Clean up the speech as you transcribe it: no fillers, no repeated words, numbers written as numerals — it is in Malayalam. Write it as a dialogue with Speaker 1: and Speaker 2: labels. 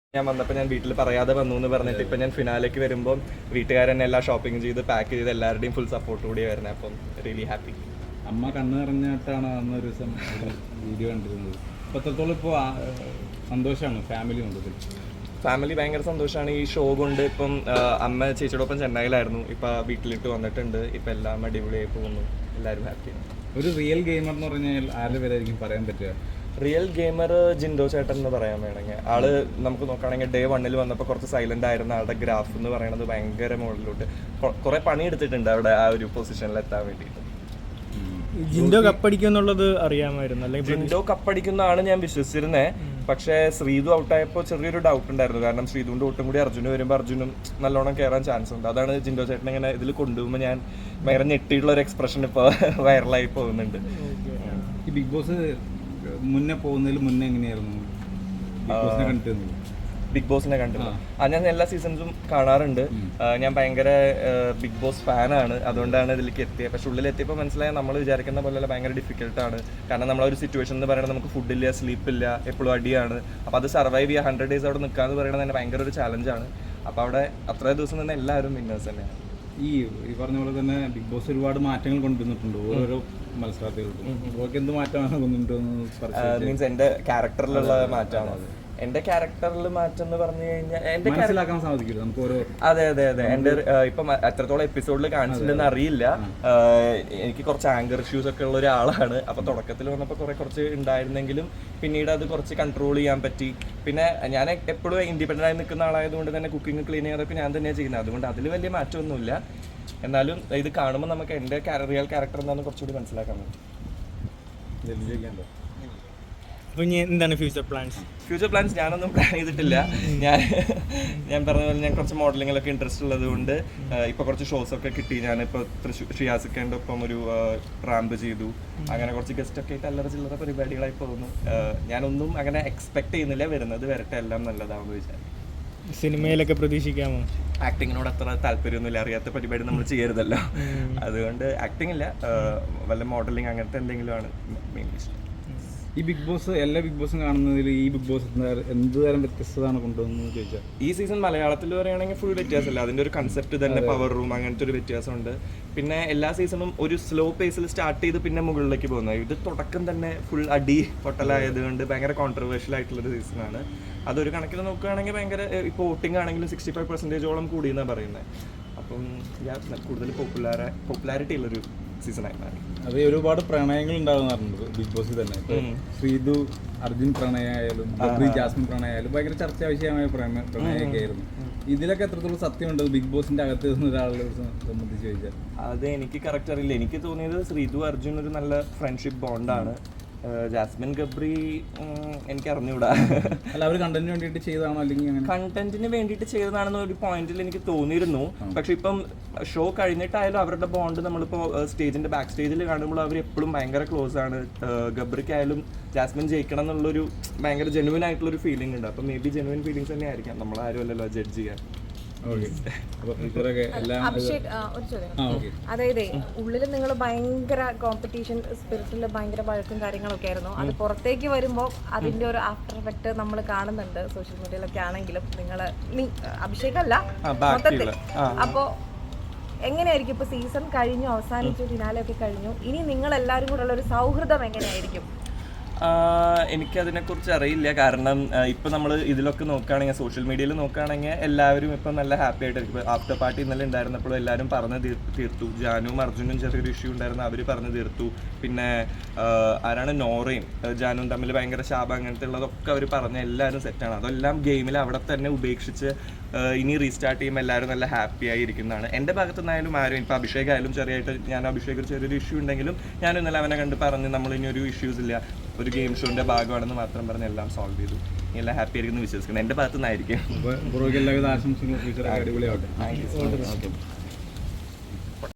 Speaker 1: ഞാൻ വന്നപ്പോൾ ഞാൻ വീട്ടിൽ പറയാതെ വന്നു എന്ന് പറഞ്ഞിട്ട് ഇപ്പം ഞാൻ ഫിനാലേക്ക് വരുമ്പോൾ വീട്ടുകാരെന്നെ എല്ലാം ഷോപ്പിംഗ് ചെയ്ത് പാക്ക് ചെയ്ത് എല്ലാവരുടെയും ഫുൾ സപ്പോർട്ട് കൂടി വരുന്നത്. അപ്പം റിയലി ഹാപ്പി.
Speaker 2: അമ്മ കണ്ണ് നിറഞ്ഞിട്ടാണ് അന്നൊരു ദിവസം വീഡിയോ കണ്ടിരുന്നത്. അപ്പോൾ എത്രത്തോളം ഇപ്പോൾ സന്തോഷമാണ് ഫാമിലി മൊത്തത്തിൽ?
Speaker 1: ഫാമിലി ഭയങ്കര സന്തോഷമാണ്. ഈ ഷോ കൊണ്ട് ഇപ്പം അമ്മ ചേച്ചിയോടൊപ്പം ചെന്നൈയിലായിരുന്നു, ഇപ്പം വീട്ടിലിട്ട് വന്നിട്ടുണ്ട്. ഇപ്പം എല്ലാം അടിപൊളിയായി പോകുന്നു, എല്ലാവരും ഹാപ്പിയാണ്.
Speaker 2: ഒരു റിയൽ ഗെയിമർ എന്ന് പറഞ്ഞാൽ ആരുടെ പേരായിരിക്കും പറയാൻ പറ്റുക?
Speaker 1: റിയൽ ഗെയിമർ ജിൻഡോ ചേട്ടൻ എന്ന് പറയാൻ വേണമെങ്കിൽ. ആള് നമുക്ക് നോക്കുകയാണെങ്കിൽ ഡേ 1 വന്നപ്പോൾ കുറച്ച് സൈലന്റ് ആയിരുന്ന ആളുടെ ഗ്രാഫ് എന്ന് പറയുന്നത് ഭയങ്കര മുകളിലോട്ട് കുറെ പണി എടുത്തിട്ടുണ്ട് അവിടെ ആ ഒരു പൊസിഷനിൽ എത്താൻ വേണ്ടിയിട്ട്.
Speaker 3: ജിൻഡോ കപ്പടിക്കും എന്നുള്ളത് അറിയാമായിരുന്നു, അല്ലെങ്കിൽ
Speaker 1: ജിൻഡോ കപ്പടിക്കുന്നതാണ് ഞാൻ വിശ്വസിച്ചിരുന്നത്. പക്ഷേ ശ്രീതു ഔട്ടായപ്പോൾ ചെറിയൊരു ഡൗട്ട് ഉണ്ടായിരുന്നു. കാരണം ശ്രീതുവിൻ്റെ ഒട്ടും കൂടി അർജുന് വരുമ്പോൾ അർജുനും നല്ലോണം കയറാൻ ചാൻസ് ഉണ്ട്. അതാണ് ജിൻഡോ ചേട്ടൻ ഇങ്ങനെ ഇതിൽ കൊണ്ടുപോകുമ്പോൾ ഞാൻ ഭയങ്കര ഞെട്ടിയിട്ടുള്ള ഒരു എക്സ്പ്രഷൻ ഇപ്പോൾ വൈറലായി പോകുന്നുണ്ട്.
Speaker 2: ഈ ബിഗ് ബോസ് മുന്നേ പോകുന്നതിൽ മുന്നേ എങ്ങനെയായിരുന്നു ബിഗ് ബോസിനെ കണ്ടിരുന്നത്?
Speaker 1: ബിഗ് ബോസിനെ കണ്ടിരുന്നു. ഞാൻ എല്ലാ സീസൺസും കാണാറുണ്ട്. ഞാൻ ഭയങ്കര ബിഗ് ബോസ് ഫാനാണ്, അതുകൊണ്ടാണ് ഇതിലേക്ക് എത്തിയത്. പക്ഷെ ഉള്ളിലെത്തിയപ്പോൾ മനസ്സിലായ നമ്മൾ വിചാരിക്കുന്ന പോലെയല്ല, ഭയങ്കര ഡിഫിക്കൽട്ടാണ്. കാരണം നമ്മളൊരു സിറ്റുവേഷൻ എന്ന് പറയുന്നത് നമുക്ക് ഫുഡില്ല, സ്ലീപ്പില്ല, എപ്പോഴും അടിയാണ്. അപ്പോൾ അത് സർവൈവ് ചെയ്യുക, 100 days അവിടെ നിൽക്കുക എന്ന് പറയുന്നത് തന്നെ ഭയങ്കര ഒരു ചാലഞ്ചാണ്. അപ്പോൾ അവിടെ അത്രേ ദിവസം തന്നെ എല്ലാവരും വിന്നേഴ്സ് തന്നെയാണ്.
Speaker 2: ഈ പറഞ്ഞ പോലെ തന്നെ ബിഗ് ബോസ് ഒരുപാട് മാറ്റങ്ങൾ കൊണ്ടുവന്നിട്ടുണ്ട് ഓരോ മത്സരാർത്ഥികൾക്കും. അവർക്ക് എന്ത് മാറ്റമാണ് കൊണ്ടുവന്നിട്ട്
Speaker 1: മീൻസ് എൻ്റെ ക്യാരക്ടറിലുള്ള മാറ്റമാണോ? അത് എന്റെ ക്യാരക്ടറിൽ മാറ്റം എന്ന് പറഞ്ഞു കഴിഞ്ഞാൽ എന്റെ
Speaker 2: മനസ്സിലാക്കാൻ സാധിക്കില്ല നമുക്ക് ഓരോ.
Speaker 1: അതെ എന്റെ ഇപ്പം എത്രത്തോളം എപ്പിസോഡിൽ കാണിച്ചിട്ടുണ്ടെന്ന് അറിയില്ല. എനിക്ക് കുറച്ച് ആങ്കർ ഇഷ്യൂസ് ഒക്കെ ഉള്ള ഒരാളാണ്. അപ്പൊ തുടക്കത്തിൽ വന്നപ്പോൾ കുറച്ച് ഉണ്ടായിരുന്നെങ്കിലും പിന്നീട് അത് കുറച്ച് കൺട്രോൾ ചെയ്യാൻ പറ്റി. പിന്നെ ഞാൻ എപ്പോഴും ഇൻഡിപെൻഡൻ്റ് ആയി നിൽക്കുന്ന ആളായതുകൊണ്ട് തന്നെ കുക്കിംഗ് ക്ലീനിങ് അതൊക്കെ ഞാൻ തന്നെയാണ് ചെയ്യുന്നത്. അതുകൊണ്ട് അതിൽ വലിയ മാറ്റമൊന്നുമില്ല. എന്നാലും ഇത് കാണുമ്പോൾ നമുക്ക് എൻ്റെ റിയൽ ക്യാരക്ടർ എന്താണെന്ന് കുറച്ചുകൂടി മനസ്സിലാക്കാൻ പറ്റും.
Speaker 3: എന്താണ് ഫ്യൂച്ചർ പ്ലാൻസ്?
Speaker 1: ഫ്യൂച്ചർ പ്ലാൻസ് ഞാനൊന്നും പ്ലാൻ ചെയ്തിട്ടില്ല. ഞാൻ പറഞ്ഞ പോലെ ഞാൻ കുറച്ച് മോഡലിങ്ങിലൊക്കെ ഇൻട്രസ്റ്റ് ഉള്ളത് കൊണ്ട് ഇപ്പോൾ കുറച്ച് ഷോസൊക്കെ കിട്ടി. ഞാനിപ്പോൾ ഷിയാസിക്കേൻ്റെ ഒപ്പം ഒരു റാമ്പ് ചെയ്തു. അങ്ങനെ കുറച്ച് ഗസ്റ്റൊക്കെ ആയിട്ട് അല്ലറ ചില്ലറ പരിപാടികളായി പോകുന്നു. ഞാനൊന്നും അങ്ങനെ എക്സ്പെക്ട് ചെയ്യുന്നില്ല. വരുന്നത് വരട്ടെ, എല്ലാം നല്ലതാണെന്ന് വിചാരിച്ചു.
Speaker 3: സിനിമയിലൊക്കെ പ്രതീക്ഷിക്കാമോ?
Speaker 1: ആക്ടിങ്ങിനോട് അത്ര താല്പര്യമൊന്നുമില്ല, അറിയാത്ത പരിപാടി നമ്മൾ ചെയ്യരുതല്ലോ. അതുകൊണ്ട് ആക്ടിങ് ഇല്ല, വല്ല മോഡലിംഗ് അങ്ങനത്തെ എന്തെങ്കിലും ആണ് മെയിൻലി ഇഷ്ടം.
Speaker 2: ഈ ബിഗ് ബോസ് എല്ലാ ബിഗ് ബോസും കാണുന്നതിൽ ഈ ബിഗ് ബോസ് എന്ത് തരം വ്യത്യസ്തതാണ് കൊണ്ടുവന്നത് ചോദിച്ചാൽ,
Speaker 1: ഈ സീസൺ മലയാളത്തിൽ പറയുകയാണെങ്കിൽ ഫുൾ വ്യത്യാസമല്ല. അതിൻ്റെ ഒരു കൺസെപ്റ്റ് തന്നെ പവർ റൂം അങ്ങനത്തെ ഒരു വ്യത്യാസമുണ്ട്. പിന്നെ എല്ലാ സീസണും ഒരു സ്ലോ പേസിൽ സ്റ്റാർട്ട് ചെയ്ത് പിന്നെ മുകളിലേക്ക് പോകുന്നത്. ഇത് തുടക്കം തന്നെ ഫുൾ അടി പൊട്ടലായതുകൊണ്ട് ഭയങ്കര കോൺട്രവേഴ്ഷ്യൽ ആയിട്ടുള്ളൊരു സീസണാണ്. അതൊരു കണക്കിൽ നോക്കുകയാണെങ്കിൽ ഭയങ്കര ഇപ്പോൾ വോട്ടിംഗ് ആണെങ്കിലും 65% കൂടുമെന്നാണ് പറയുന്നത്. അപ്പം കൂടുതൽ പോപ്പുലാരിറ്റി ഉള്ളൊരു സീസണായി മാറി.
Speaker 2: അത് ഒരുപാട് പ്രണയങ്ങൾ ഉണ്ടാകുന്നുണ്ട് ബിഗ് ബോസിൽ തന്നെ. ശ്രീതു അർജുൻ പ്രണയമായാലും ജാസ്മിൻ പ്രണയമായാലും ഭയങ്കര ചർച്ചാ വിഷയമായ പ്രണയമൊക്കെ ആയിരുന്നു. ഇതിലൊക്കെ എത്രത്തോളം സത്യമുണ്ട് ബിഗ് ബോസിന്റെ അകത്ത് നിന്ന് ഒരാളെ സംബന്ധിച്ച് ചോദിച്ചാൽ?
Speaker 1: അത് എനിക്ക് കറക്റ്റ് അറിയില്ല. എനിക്ക് തോന്നിയത് ശ്രീതു അർജുൻ ഒരു നല്ല ഫ്രണ്ട്ഷിപ്പ് ബോണ്ടാണ്. ജാസ്മിൻ ഗബ്രി എനിക്ക് അറിഞ്ഞൂടാ.
Speaker 2: അല്ല, അവർ കണ്ടന്റിന് വേണ്ടിയിട്ട് ചെയ്തതാണോ അല്ലെങ്കിൽ
Speaker 1: കണ്ടന്റിന് വേണ്ടിയിട്ട് ചെയ്തതാണെന്ന് ഒരു പോയിന്റിൽ എനിക്ക് തോന്നിയിരുന്നു. പക്ഷെ ഇപ്പം ഷോ കഴിഞ്ഞിട്ടായാലും അവരുടെ ബോണ്ട് നമ്മളിപ്പോൾ സ്റ്റേജിന്റെ ബാക്ക് സ്റ്റേജിൽ കാണുമ്പോൾ അവർ എപ്പോഴും ഭയങ്കര ക്ലോസ് ആണ്. ഗബ്രിക്കായാലും ജാസ്മിൻ ജയിക്കണം എന്നുള്ളൊരു ഭയങ്കര ജെനുവിൻ ആയിട്ടുള്ളൊരു ഫീലിംഗ് ഉണ്ട്. അപ്പം മേ ബി ജെനുവിൻ ഫീലിംഗ്സ് തന്നെ ആയിരിക്കാം, നമ്മളാരും അല്ലല്ലോ ജഡ്ജ് ചെയ്യാൻ.
Speaker 4: അഭിഷേക്, ഒരു ചോദ്യം. അതായത് ഉള്ളിൽ നിങ്ങൾ ഭയങ്കര കോമ്പറ്റീഷൻ സ്പിരിറ്റിൽ ഭയങ്കര വഴക്കും കാര്യങ്ങളൊക്കെ ആയിരുന്നു. അത് പുറത്തേക്ക് വരുമ്പോൾ അതിന്റെ ഒരു ആഫ്റ്റർ എഫക്ട് നമ്മൾ കാണുന്നുണ്ട് സോഷ്യൽ മീഡിയയിലൊക്കെ ആണെങ്കിലും. അഭിഷേക് അല്ല മൊത്തത്തിൽ. അപ്പോ എങ്ങനെയായിരിക്കും ഇപ്പൊ സീസൺ കഴിഞ്ഞു, അവസാനിച്ചു, ഫിനാലെ ഒക്കെ കഴിഞ്ഞു, ഇനി നിങ്ങൾ എല്ലാവരും കൂടെ ഉള്ള ഒരു സൗഹൃദം എങ്ങനെയായിരിക്കും?
Speaker 1: എനിക്കതിനെക്കുറിച്ച് അറിയില്ല. കാരണം ഇപ്പം നമ്മൾ ഇതിലൊക്കെ നോക്കുകയാണെങ്കിൽ, സോഷ്യൽ മീഡിയയിൽ നോക്കുകയാണെങ്കിൽ എല്ലാവരും ഇപ്പം നല്ല ഹാപ്പി ആയിട്ടായിരിക്കും. ഇപ്പോൾ ആഫ്റ്റർ പാർട്ടി ഇന്നലെ ഉണ്ടായിരുന്നപ്പോഴും എല്ലാവരും പറഞ്ഞ് തീർത്തു. ജാനുവും അർജുനും ചെറിയൊരു ഇഷ്യൂ ഉണ്ടായിരുന്നു, അവർ പറഞ്ഞ് തീർത്തു. പിന്നെ ആരാണ് നോറയും ജാനുവും തമ്മിൽ ഭയങ്കര ശാപം അങ്ങനത്തെ ഉള്ളതൊക്കെ അവർ പറഞ്ഞ എല്ലാവരും സെറ്റാണ്. അതെല്ലാം ഗെയിമിൽ അവിടെ തന്നെ ഉപേക്ഷിച്ച് ഇനി റീസ്റ്റാർട്ട് ചെയ്യുമ്പോൾ എല്ലാവരും നല്ല ഹാപ്പി ആയിരിക്കുന്നതാണ്. എൻ്റെ ഭാഗത്തു നിന്നായാലും ആരും, ഇപ്പോൾ അഭിഷേക് ആയാലും ചെറിയായിട്ട് ഞാൻ അഭിഷേക് ചെറിയൊരു ഇഷ്യൂ ഉണ്ടെങ്കിലും ഞാൻ ഇന്നലെ അവനെ കണ്ട് പറഞ്ഞ് നമ്മൾ ഇനി ഒരു ഇഷ്യൂസ് ഇല്ല, ഒരു ഗെയിം ഷോന്റെ ഭാഗമാണെന്ന് മാത്രം പറഞ്ഞ് എല്ലാം സോൾവ് ചെയ്തു. എല്ലാം ഹാപ്പി ആയിരിക്കും എന്ന് വിശ്വസിക്കുന്നു. എൻ്റെ ഭാഗത്തു നിന്നായിരിക്കും.
Speaker 2: എല്ലാവിധ ആശംസകളും.